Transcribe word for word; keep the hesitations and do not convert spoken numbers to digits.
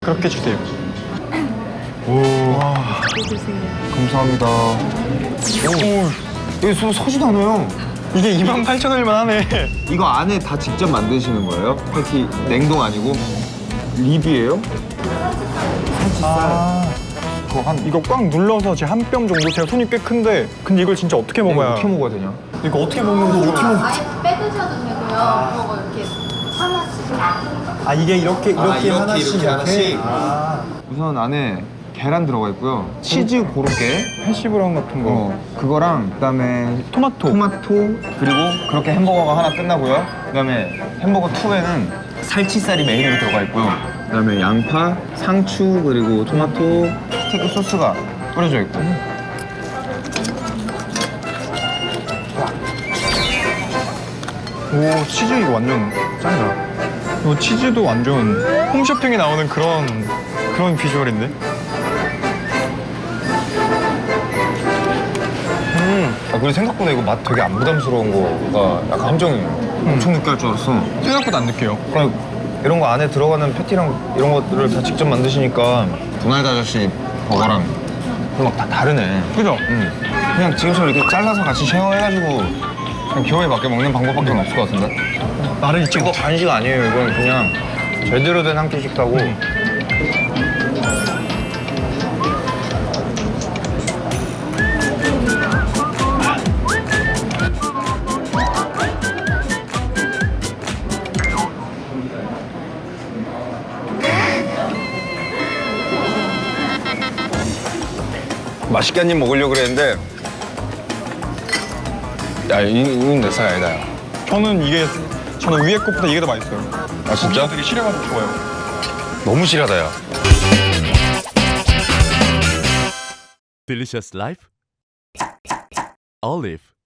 그렇게 주세요. 오, 와, 감사합니다. 오, 여기 소, 서지도 않아요. 이게 이만 팔천 원일만 하네. 이거 안에 다 직접 만드시는 거예요? 패티 냉동 아니고? 립이에요? 아, 그거 한 이거 꽉 눌러서 제 한 뼘 정도. 제가 손이 꽤 큰데, 근데 이걸 진짜 어떻게 먹어야? 어떻게 먹어야 되냐? 이거 어떻게 먹는 거 어떻게 먹? 아예 빼드셔도 되고요. 그거 이렇게 하나씩. 아 이게 이렇게 이렇게, 아, 이렇게, 하나씩 이렇게 하나씩? 아, 우선 안에 계란 들어가 있고요. 치즈 고로케, 해시브라운 같은 거. 어, 그거랑 그다음에 토마토. 토마토 그리고 그렇게 햄버거가 하나 끝나고요. 그다음에 햄버거 투에는 살치살이 메인으로 들어가 있고요. 그다음에 양파, 상추 그리고 토마토 스테이크 소스가 뿌려져 있고. 오, 치즈 이거 완전 짱이다. 이거 치즈도 완전 홈쇼핑에 나오는 그런 그런 비주얼인데. 음. 아, 그리고 생각보다 이거 맛 되게 안 부담스러운 거가 약간 함정이에요. 엄청 느끼할 줄 알았어. 생각보다 안 느껴요. 그냥 이런 거 안에 들어가는 패티랑 이런 것들을 다 직접 만드시니까 도날드 아저씨 버거랑 막 다 다르네. 그죠? 응. 그냥 지금처럼 이렇게 잘라서 같이 쉐어해가지고 그냥 기호에 맞게 먹는 방법밖에 없을 것 같은데? 나를 잊지 이거 못해. 간식 아니에요. 이건 그냥 제대로 된 한 끼 식사고. 맛있게 한 입 먹으려고 그랬는데 야, 이, 이건 내 스타일 아니다. 야. 저는 이게 저는 위에 것보다 이게 더 맛있어요. 아, 진짜? 되게 실해가지고 좋아요. 너무 실하다, 야. Delicious Life Olive